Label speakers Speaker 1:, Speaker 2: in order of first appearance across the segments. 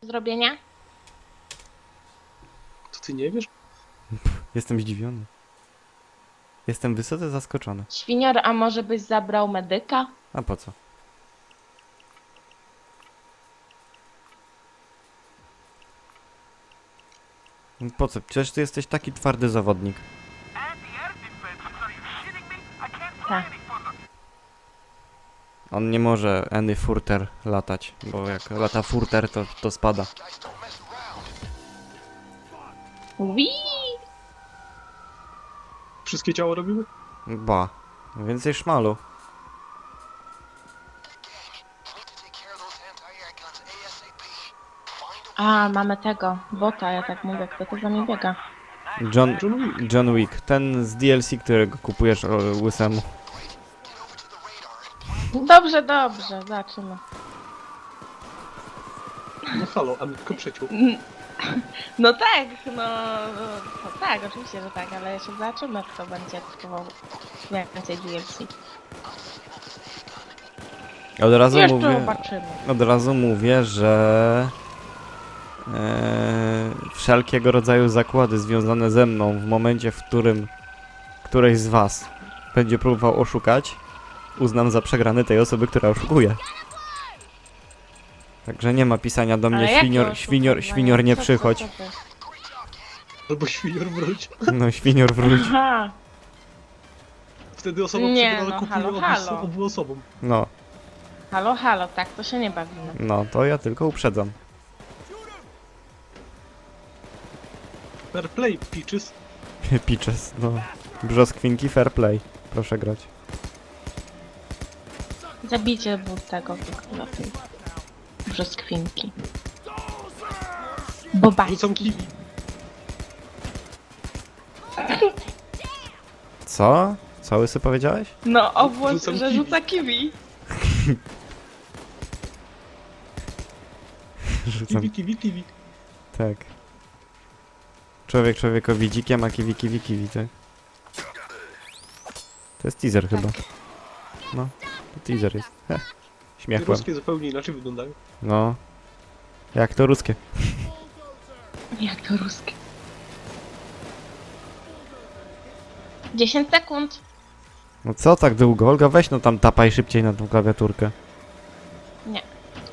Speaker 1: zrobienia?
Speaker 2: To ty nie wiesz?
Speaker 3: Jestem zdziwiony. Jestem wysoce zaskoczony.
Speaker 1: Świnior, a może byś zabrał medyka?
Speaker 3: A po co? Po co? Przecież ty jesteś taki twardy zawodnik.
Speaker 1: Tak.
Speaker 3: On nie może Andy Furter latać, bo jak lata Furter, to spada.
Speaker 1: Ui!
Speaker 2: Wszystkie ciało robimy?
Speaker 3: Ba. Więcej szmalu.
Speaker 1: A, mamy tego, bota, ja tak mówię, kto to za mnie biega?
Speaker 3: John Wick. Ten z DLC, którego kupujesz łysemu.
Speaker 1: Dobrze, zobaczymy.
Speaker 2: No halo, a mnie tylko przeciął.
Speaker 1: No tak, no tak, oczywiście, że tak, ale jeszcze zobaczymy, kto będzie kupował więcej DLC.
Speaker 3: Od razu mówię, że wszelkiego rodzaju zakłady związane ze mną w momencie, w którym któreś z was będzie próbował oszukać, uznam za przegrany tej osoby, która oszukuje. Także nie ma pisania do mnie świnior nie przychodź.
Speaker 2: Albo świnior wróć.
Speaker 3: No świnior wróć.
Speaker 1: Aha,
Speaker 2: Wtedy osoba
Speaker 1: Nie,
Speaker 2: przegrana
Speaker 1: no,
Speaker 2: kupuje
Speaker 1: halo.
Speaker 2: obu osobom.
Speaker 3: No,
Speaker 1: halo, tak to się nie bawimy.
Speaker 3: no to ja tylko uprzedzam.
Speaker 2: Fair play, peaches.
Speaker 3: Pitches, no. Brzoskwinki fair play. Proszę grać.
Speaker 1: Zabijcie tego lepiej. Brzoskwinki. Bobaki.
Speaker 2: Rzucam kiwi.
Speaker 3: Co? Co łysy powiedziałeś?
Speaker 1: No, obłos,
Speaker 2: Rzucam
Speaker 1: że
Speaker 2: kiwi.
Speaker 1: rzuca kiwi.
Speaker 3: Rzucam.
Speaker 2: Kiwi.
Speaker 3: Tak. Człowiek człowiekowi dzikiem, a kiwi, tak? To jest teaser chyba. No, to teaser jest. Heh. Śmiechłem.
Speaker 2: Ruskie zupełnie inaczej wyglądają.
Speaker 3: No. Jak to ruskie.
Speaker 1: Jak to ruskie? 10 sekund.
Speaker 3: No co tak długo? Olga, weź no tam tapaj szybciej na tą klawiaturkę.
Speaker 1: Nie.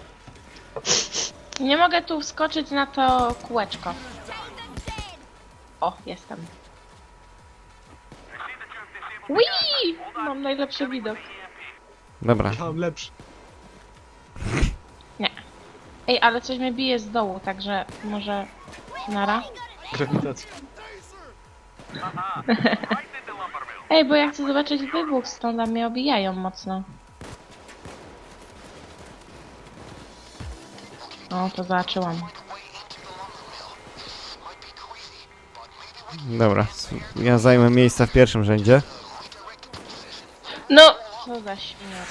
Speaker 1: Nie mogę tu wskoczyć na to kółeczko. O, jestem. Wii! Mam najlepszy widok.
Speaker 3: Dobra.
Speaker 2: Ja mam lepszy.
Speaker 1: Ej, ale coś mnie bije z dołu, także może... Nara?
Speaker 2: Grawitacja.
Speaker 1: Ej, bo ja chcę zobaczyć wybuch stąd, a mnie obijają mocno. O, to zobaczyłam.
Speaker 3: Dobra. Ja zajmę miejsca w pierwszym rzędzie.
Speaker 1: No! Co za śmiech.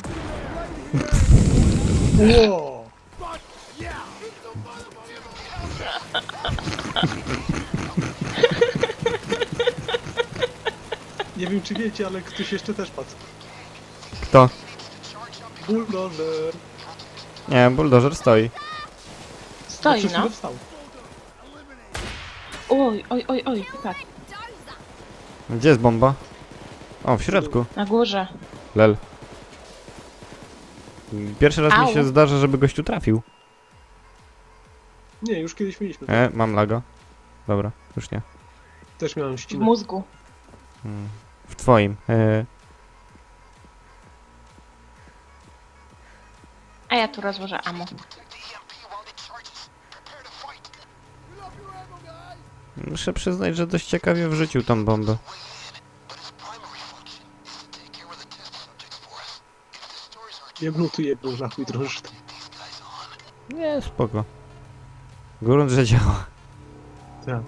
Speaker 2: Wow. Nie wiem czy wiecie, ale ktoś jeszcze też padł.
Speaker 3: Kto?
Speaker 2: Bulldozer.
Speaker 3: Nie, buldożer stoi.
Speaker 1: Stoi,
Speaker 2: Przez
Speaker 1: no.
Speaker 2: chwilę wstał.
Speaker 1: Oj, tak.
Speaker 3: Gdzie jest bomba? O, w środku.
Speaker 1: Na górze.
Speaker 3: Lel. Pierwszy raz mi
Speaker 1: Au.
Speaker 3: się zdarza, żeby gościu trafił.
Speaker 2: Nie, już kiedyś mieliśmy.
Speaker 3: Mam laga. Dobra, już nie.
Speaker 2: Też miałem
Speaker 1: W
Speaker 2: ścinę.
Speaker 1: mózgu.
Speaker 3: W twoim.
Speaker 1: A ja tu rozłożę ammo.
Speaker 3: Muszę przyznać, że dość ciekawie wrzucił tą bombę.
Speaker 2: Jebnął na chuj drąży tam.
Speaker 3: Nie, spoko. Grunt, że działa.
Speaker 2: Tak.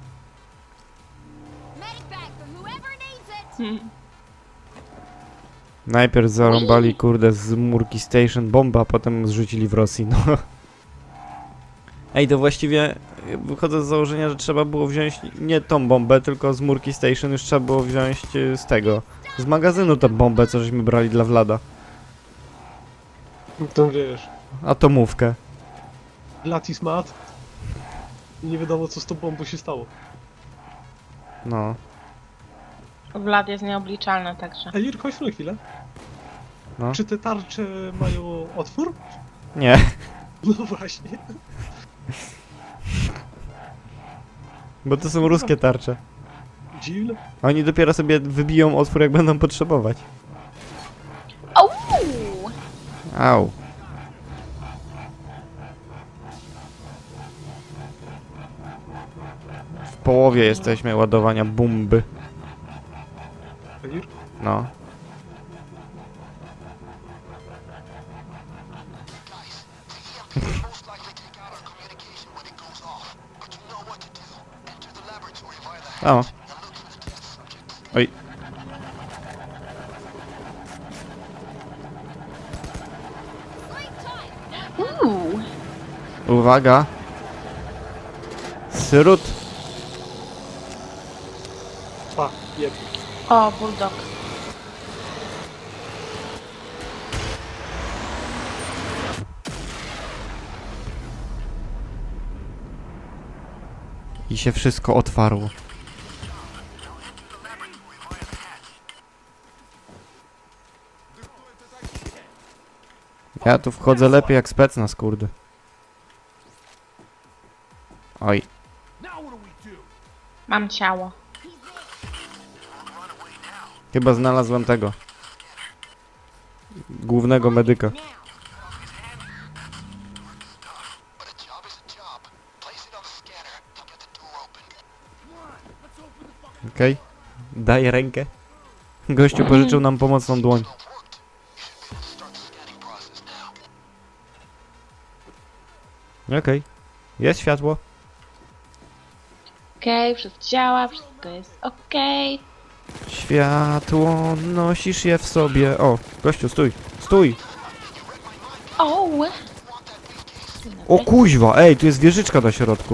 Speaker 3: Najpierw zarąbali, kurde, z Murki Station bombę, a potem zrzucili w Rosji, no. Ej, to właściwie wychodzę z założenia, że trzeba było wziąć nie tą bombę, tylko z Murki Station już trzeba było wziąć z tego, z magazynu tę bombę, co żeśmy brali dla Vlada.
Speaker 2: To wiesz.
Speaker 3: Atomówkę.
Speaker 2: Latis mat. I nie wiadomo co z tą bombą się stało.
Speaker 3: No.
Speaker 1: Vlad jest nieobliczalny, także.
Speaker 2: Elir, chodź na chwilę.
Speaker 3: No.
Speaker 2: Czy te tarcze mają otwór?
Speaker 3: Nie.
Speaker 2: No właśnie.
Speaker 3: Bo to są ruskie tarcze.
Speaker 2: Dziwne.
Speaker 3: Oni dopiero sobie wybiją otwór, jak będą potrzebować.
Speaker 1: Au!
Speaker 3: Au. W połowie jesteśmy ładowania bomby.
Speaker 2: Elir?
Speaker 3: No. O. Oj. Uwaga. Srut.
Speaker 2: Pa, jeb.
Speaker 1: O, bulldog.
Speaker 3: I się wszystko otwarło. Ja tu wchodzę lepiej jak specnaz, kurde. Oj.
Speaker 1: Mam ciało.
Speaker 3: Chyba znalazłem tego. Głównego medyka. Okej. Daj rękę. Gościu pożyczył nam pomocną dłoń. Okej. Jest światło.
Speaker 1: Okej, wszystko działa, wszystko jest okej.
Speaker 3: Światło, nosisz je w sobie. O, gościu, stój. Stój.
Speaker 1: O!
Speaker 3: O kuźwa, ej, tu jest wieżyczka na środku.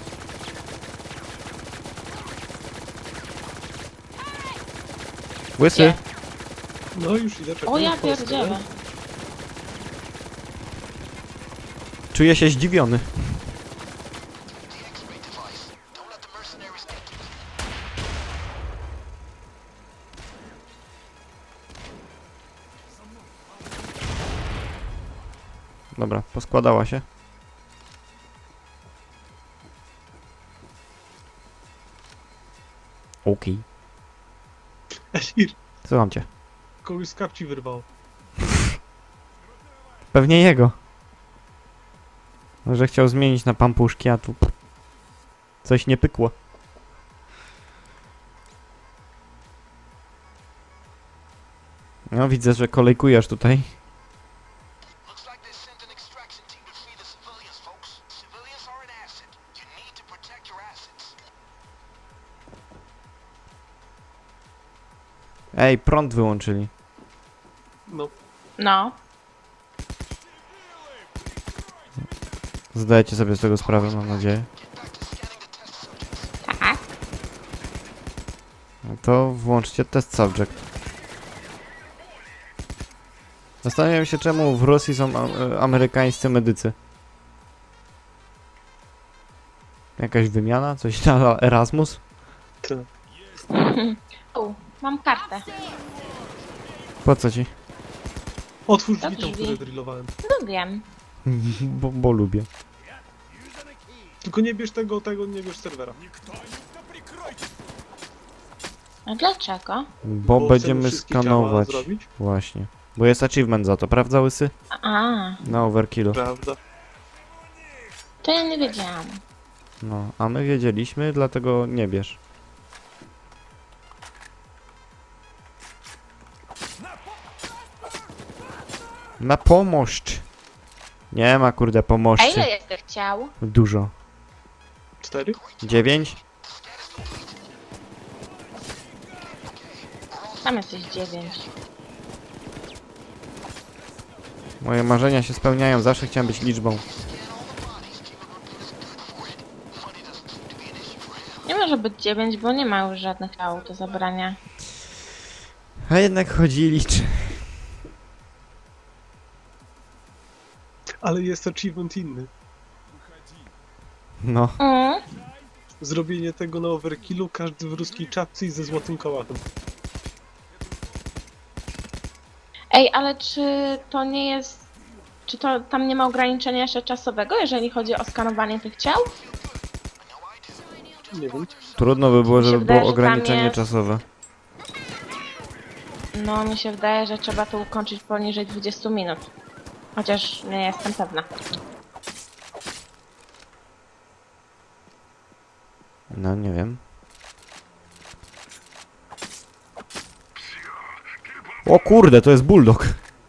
Speaker 3: Łysy.
Speaker 1: Gdzie?
Speaker 2: No już idę, czekam.
Speaker 1: O, ja
Speaker 2: w Polskę.
Speaker 1: pierdzielę.
Speaker 3: Czuję się zdziwiony. Dobra, poskładała się. Okej.
Speaker 2: Elir,
Speaker 3: Słucham cię.
Speaker 2: kogoś z kapci wyrwało.
Speaker 3: Pewnie jego. Może chciał zmienić na pampuszki, a tu coś nie pykło. No widzę, że kolejkujesz tutaj. Ej, prąd wyłączyli.
Speaker 2: No,
Speaker 1: No.
Speaker 3: Zdajecie sobie z tego sprawę, mam nadzieję.
Speaker 1: Tak.
Speaker 3: No to włączcie test subject. Zastanawiam się, czemu w Rosji są amerykańscy medycy. Jakaś wymiana? Coś na Erasmus?
Speaker 2: to.
Speaker 1: O, mam kartę.
Speaker 3: Po co ci?
Speaker 2: Otwórz
Speaker 1: To
Speaker 2: drzwi tam,
Speaker 1: drzwi.
Speaker 2: które drillowałem.
Speaker 1: No wiem.
Speaker 3: Bo lubię.
Speaker 2: Tylko nie bierz tego, nie bierz serwera.
Speaker 1: A dlaczego?
Speaker 3: Bo
Speaker 2: chcemy
Speaker 3: będziemy
Speaker 2: wszystkie ciała
Speaker 3: skanować.
Speaker 2: zrobić.
Speaker 3: Właśnie. Bo jest achievement za to, prawda, Łysy?
Speaker 1: A,
Speaker 3: Na overkillu.
Speaker 2: Prawda.
Speaker 1: to ja nie wiedziałam.
Speaker 3: No, a my wiedzieliśmy, dlatego nie bierz. Na pomość! Nie ma, kurde,
Speaker 1: A
Speaker 3: pomożcie.
Speaker 1: ile jest tych ciał?
Speaker 3: Dużo.
Speaker 2: 4?
Speaker 3: 9?
Speaker 1: Tam jesteś 9.
Speaker 3: Moje marzenia się spełniają, zawsze chciałem być liczbą.
Speaker 1: Nie może być 9, bo nie ma już żadnych ciał do zabrania.
Speaker 3: A jednak chodzi liczy.
Speaker 2: Ale jest achievement inny.
Speaker 3: No.
Speaker 1: Mm.
Speaker 2: Zrobienie tego na overkillu, każdy w ruskiej czapce i ze złotym kołachem.
Speaker 1: Ej, ale czy to nie jest... Czy to tam nie ma ograniczenia jeszcze czasowego, jeżeli chodzi o skanowanie tych ciał?
Speaker 2: Nie wiem.
Speaker 3: Trudno by było,
Speaker 1: Mi się
Speaker 3: żeby
Speaker 1: wydaje,
Speaker 3: było
Speaker 1: że tam
Speaker 3: ograniczenie
Speaker 1: jest-
Speaker 3: czasowe.
Speaker 1: No, mi się wydaje, że trzeba to ukończyć poniżej 20 minut. Chociaż nie jestem pewna.
Speaker 3: No, nie wiem. O kurde, to jest bulldog.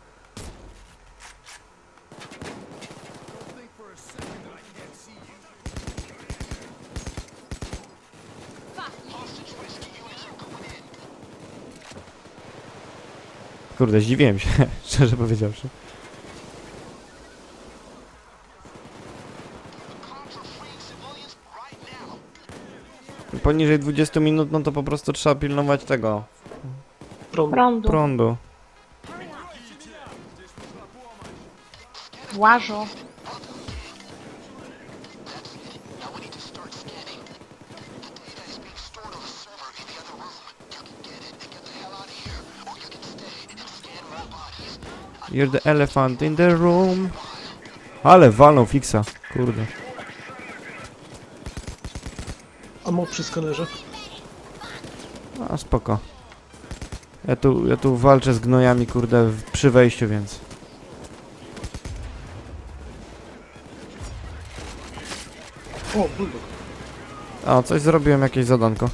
Speaker 3: Kurde, zdziwiłem się, szczerze powiedziawszy. Poniżej 20 minut, no to po prostu trzeba pilnować tego
Speaker 1: Prądu.
Speaker 3: prądu.
Speaker 1: Łażo.
Speaker 3: You're the elephant in the room. Ale walną fixa, kurde.
Speaker 2: Amo przy skanerze.
Speaker 3: A spoko. Ja tu walczę z gnojami, kurde, przy wejściu, więc.
Speaker 2: O, bulldog.
Speaker 3: A, coś zrobiłem, jakieś zadanko.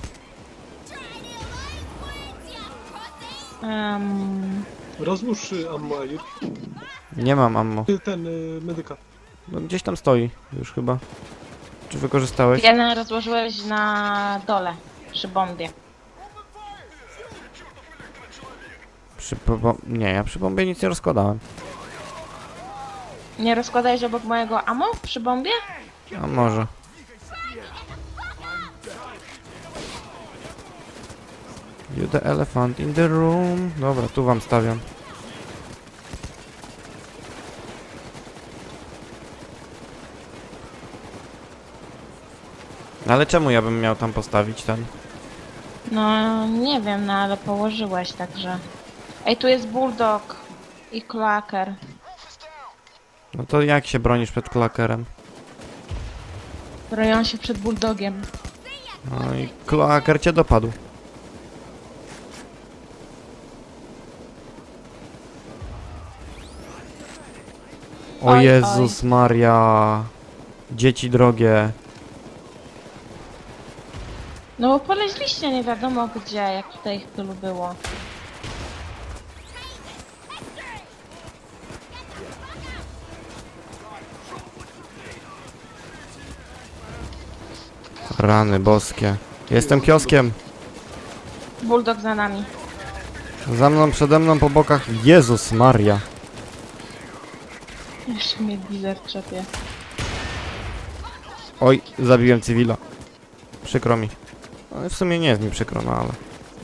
Speaker 2: Rozłóż ammo, Ajur.
Speaker 3: Nie mam ammo.
Speaker 2: Ten, medyka.
Speaker 3: No, gdzieś tam stoi już chyba. Czy wykorzystałeś?
Speaker 1: Jeden rozłożyłeś na dole, przy bombie.
Speaker 3: Nie, ja przy bombie nic nie rozkładałem.
Speaker 1: Nie rozkładałeś obok mojego ammo przy bombie?
Speaker 3: A może. You the elephant in the room. Dobra, tu wam stawiam. Ale czemu ja bym miał tam postawić ten?
Speaker 1: No, nie wiem, no ale położyłeś, także... Ej, tu jest bulldog i klaker.
Speaker 3: No to jak się bronisz przed klakerem?
Speaker 1: Broją się przed bulldogiem.
Speaker 3: No i klaker cię dopadł. O
Speaker 1: Oj,
Speaker 3: Jezus Maria. Dzieci drogie.
Speaker 1: No bo poleźliście nie wiadomo gdzie, jak tutaj ich tylu było.
Speaker 3: Rany boskie. Jestem kioskiem.
Speaker 1: Bulldog za nami.
Speaker 3: Za mną, przede mną, po bokach. Jezus Maria.
Speaker 1: Jeszcze mnie Blizzard czepie.
Speaker 3: Oj, zabiłem cywila. Przykro mi. No, w sumie nie jest mi przykro, no ale...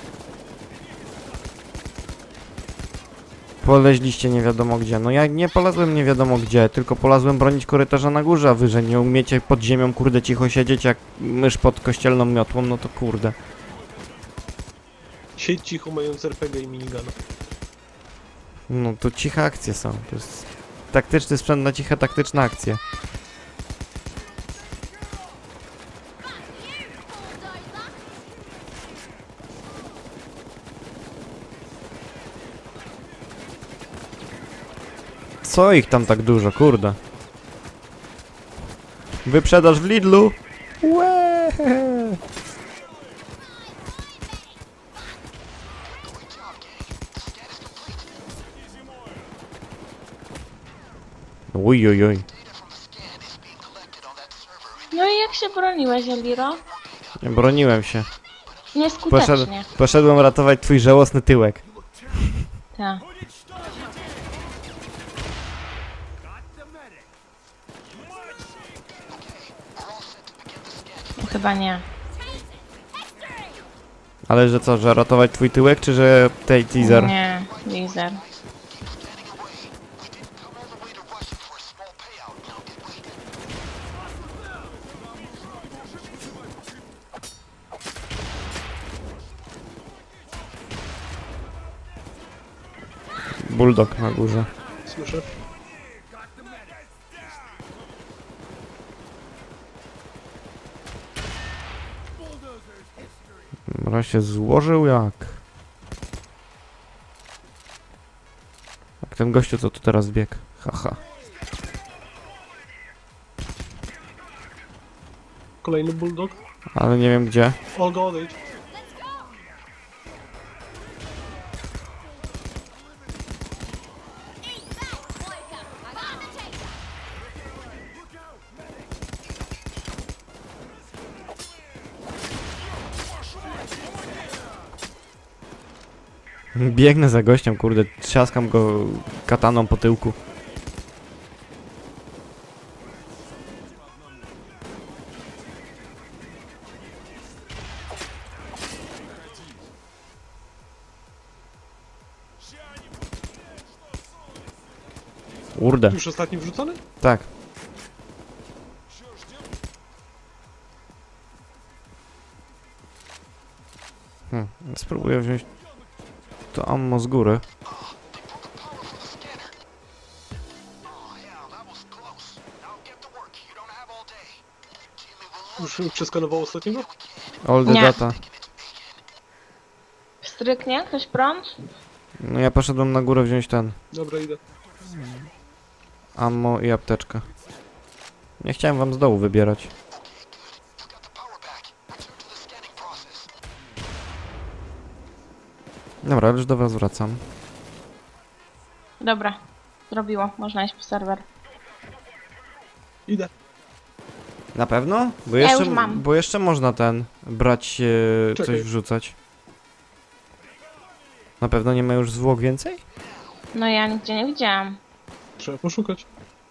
Speaker 3: Poleźliście nie wiadomo gdzie. No ja nie polazłem nie wiadomo gdzie, tylko polazłem bronić korytarza na górze, a wy, że nie umiecie pod ziemią, kurde, cicho siedzieć jak mysz pod kościelną miotłą, no to kurde.
Speaker 2: Siedź cicho, mając RPG i minigana.
Speaker 3: No to ciche akcje są. To jest taktyczny sprzęt na ciche, taktyczne akcje. Co ich tam tak dużo, kurde? Wyprzedaż w Lidlu? Łe! Uj, uj, uj.
Speaker 1: No i jak się broniłeś, Eliro?
Speaker 3: Nie broniłem się.
Speaker 1: Nieskutecznie.
Speaker 3: Poszedłem ratować twój żałosny tyłek.
Speaker 1: Tak. No, chyba nie.
Speaker 3: Ale że co, że ratować twój tyłek, czy że tej teaser?
Speaker 1: Nie, Blizzard.
Speaker 3: bulldog na górze.
Speaker 2: Słyszę.
Speaker 3: Dobra, się złożył jak? Jak ten gościu, co tu teraz biegł. Haha.
Speaker 2: Kolejny bulldog.
Speaker 3: Ale nie wiem gdzie.
Speaker 2: Olga, odejdź.
Speaker 3: Biegnę za gościem, kurde, trzaskam go kataną po tyłku. Kurde,
Speaker 2: Już ostatni wrzucony?
Speaker 3: tak. Spróbuję wziąć to ammo z góry.
Speaker 2: Już przeskanował ostatniego?
Speaker 3: All the
Speaker 1: Nie.
Speaker 3: data.
Speaker 1: Stryknie? Ktoś prąd?
Speaker 3: No ja poszedłem na górę wziąć ten
Speaker 2: Dobra, idę.
Speaker 3: ammo i apteczkę. Nie chciałem wam z dołu wybierać. Dobra, już do was wracam.
Speaker 1: Dobra. Zrobiło. Można iść po serwer.
Speaker 2: Idę.
Speaker 3: Na pewno? Bo
Speaker 1: Ja
Speaker 3: jeszcze,
Speaker 1: już mam.
Speaker 3: bo jeszcze można ten brać, coś
Speaker 2: Czekaj.
Speaker 3: wrzucać. Na pewno nie ma już zwłok więcej?
Speaker 1: No ja nigdzie nie widziałam.
Speaker 2: Trzeba poszukać.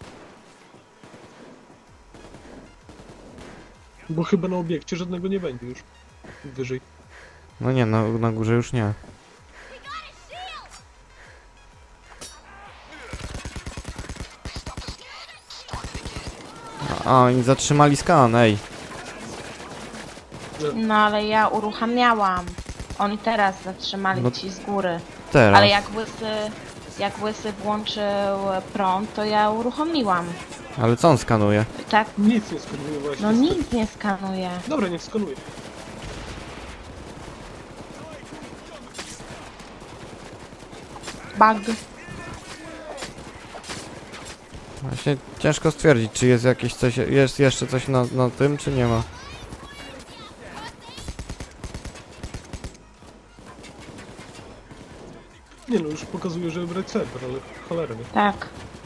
Speaker 2: Bo chyba na obiekcie żadnego nie będzie już. Wyżej.
Speaker 3: No nie, na górze już nie. A, oni zatrzymali skan, ej.
Speaker 1: No ale ja uruchamiałam. Oni teraz zatrzymali
Speaker 3: No
Speaker 1: ci z góry.
Speaker 3: Teraz.
Speaker 1: Ale jak łysy włączył prąd, to ja uruchomiłam.
Speaker 3: Ale co on skanuje?
Speaker 1: Tak?
Speaker 2: Nic nie skanuje właśnie.
Speaker 1: No nic nie skanuje.
Speaker 2: Dobra, niech skanuje.
Speaker 1: Bug.
Speaker 3: Właśnie ciężko stwierdzić, czy jest jakieś coś, jest jeszcze coś na tym, czy nie ma.
Speaker 2: Nie no, już pokazuje, że brać serwer, ale cholera wie.
Speaker 1: Tak.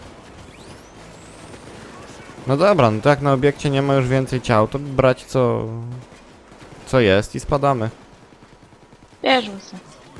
Speaker 3: No dobra, no to jak na obiekcie nie ma już więcej ciał, to brać co jest i spadamy.
Speaker 1: Bierz łysy.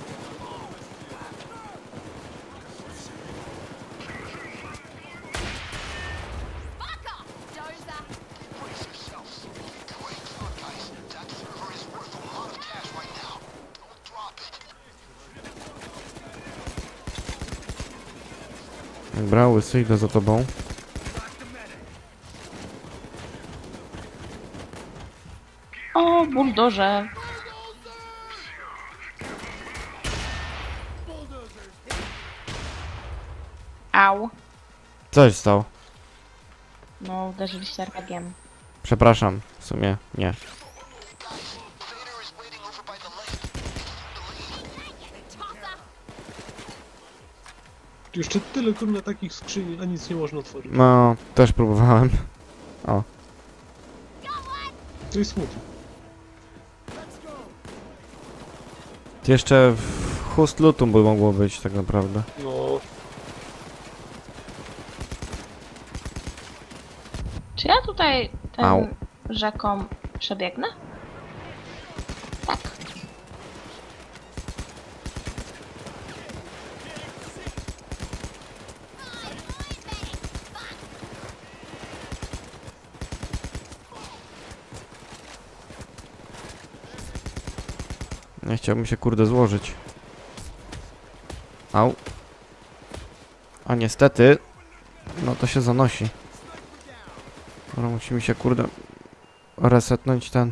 Speaker 3: Dobra, łysy, idę za tobą.
Speaker 1: O, buldorze. Au.
Speaker 3: Coś stało.
Speaker 1: No, uderzyliście RPG-iem.
Speaker 3: Przepraszam, w sumie nie.
Speaker 2: Jeszcze tyle kurna takich skrzyni, a nic nie można otworzyć.
Speaker 3: No, też próbowałem. O,
Speaker 2: To jest smutne.
Speaker 3: jeszcze w Hust Lutum by mogło być tak naprawdę.
Speaker 2: No,
Speaker 1: Czy ja tutaj
Speaker 3: Au.
Speaker 1: tym rzeką przebiegnę? Tak.
Speaker 3: Nie chciałbym się kurde złożyć. Au. A niestety, no to się zanosi. Dobra, musimy się kurde resetnąć ten.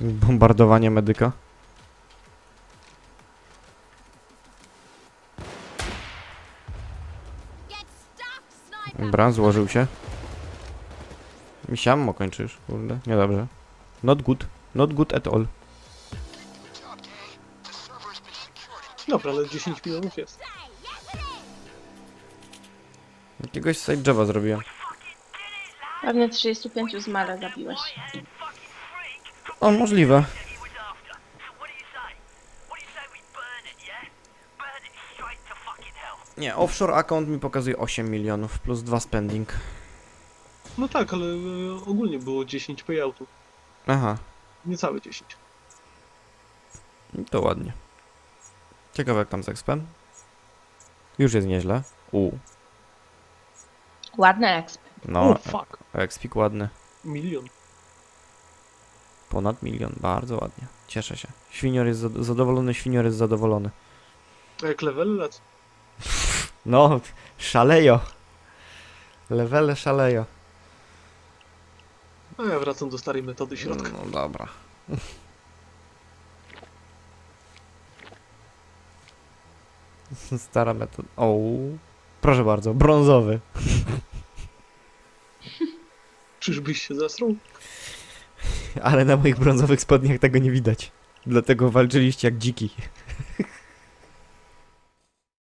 Speaker 3: Bombardowanie medyka. Dobra, złożył się. Misiammo kończysz, kurde, niedobrze. Not good. Not good at all.
Speaker 2: Dobra, ale 10 milionów jest.
Speaker 3: Jakiegoś side job'a zrobiłem.
Speaker 1: Pewnie 35 z Male zabiłeś.
Speaker 3: O, możliwe. Nie, offshore account mi pokazuje 8 milionów plus 2 spending.
Speaker 2: No tak, ale ogólnie było 10 payoutów.
Speaker 3: Aha,
Speaker 2: Niecałe 10.
Speaker 3: to ładnie. Ciekawe jak tam z expem. Już jest nieźle.
Speaker 1: Ładny exp.
Speaker 3: No,
Speaker 2: Oh fuck.
Speaker 3: expik ładny.
Speaker 2: Milion.
Speaker 3: Ponad 1 milion, bardzo ładnie. Cieszę się. Świnior jest zadowolony, świnior jest zadowolony.
Speaker 2: A jak level lecą?
Speaker 3: No, szalejo. Levele szalejo.
Speaker 2: A ja wracam do starej metody środka.
Speaker 3: No dobra. Stara metoda. O, proszę bardzo, brązowy.
Speaker 2: Czyżbyś się zasrał?
Speaker 3: Ale na moich brązowych spodniach tego nie widać. Dlatego walczyliście jak dziki.